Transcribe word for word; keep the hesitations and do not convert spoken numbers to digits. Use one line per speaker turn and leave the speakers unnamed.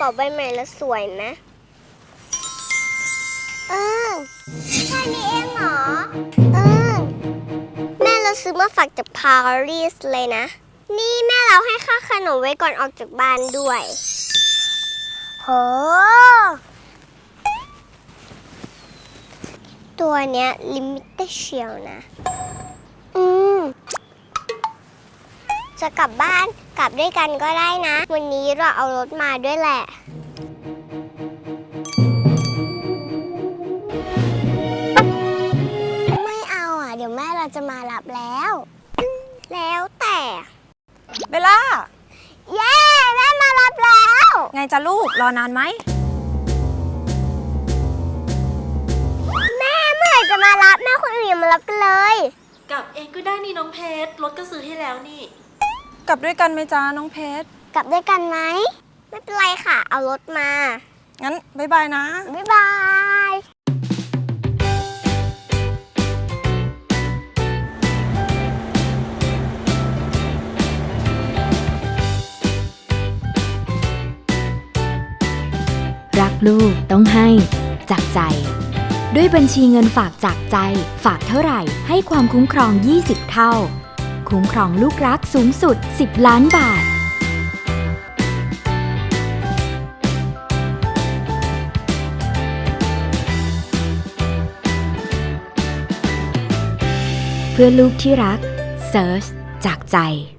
าใบใหม่แล้วสวยไหมเออแค่นี้เองเหรอเออแม่เราซื้อมาฝากจากปารีสเลยนะนี่แม่เราให้ค่าขนมไว้ก่อนออกจากบ้านด้วยโหตัวเนี้ยลิมิเต็ดเชียวนะอืมจะกลับบ้านกลับด้วยกันก็ได้นะวันนี้เราเอารถมาด้วยแหละไม่เอาอ่ะเดี๋ยวแม่เราจะมารับแล้วแล้วแต่
เบลล่า
เย้แม่มารับแล้ว
ไงจ๊ะลูกรอนานไหม
แม่เมื่อไหร่จะมารับแม่คนอื่นอย่ามารับกันเลย
กลับเองก็ได้นี่น้องเพชรรถก็ซื้อให้แล้วนี่
กลับด้วยกันไหมจ๊ะน้องเพชร
กลับด้วยกันไหมไม่เป็นไรค่ะเอารถมา
งั้นบ๊ายบายนะ
บ๊ายบาย
รักลูกต้องให้จากใจด้วยบัญชีเงินฝากจากใจฝากเท่าไหร่ให้ความคุ้มครองยี่สิบเท่าคุ้มครองลูกรักสูงสุดสิบล้านบาทเพื่อลูกที่รักเซิร์ชจากใจ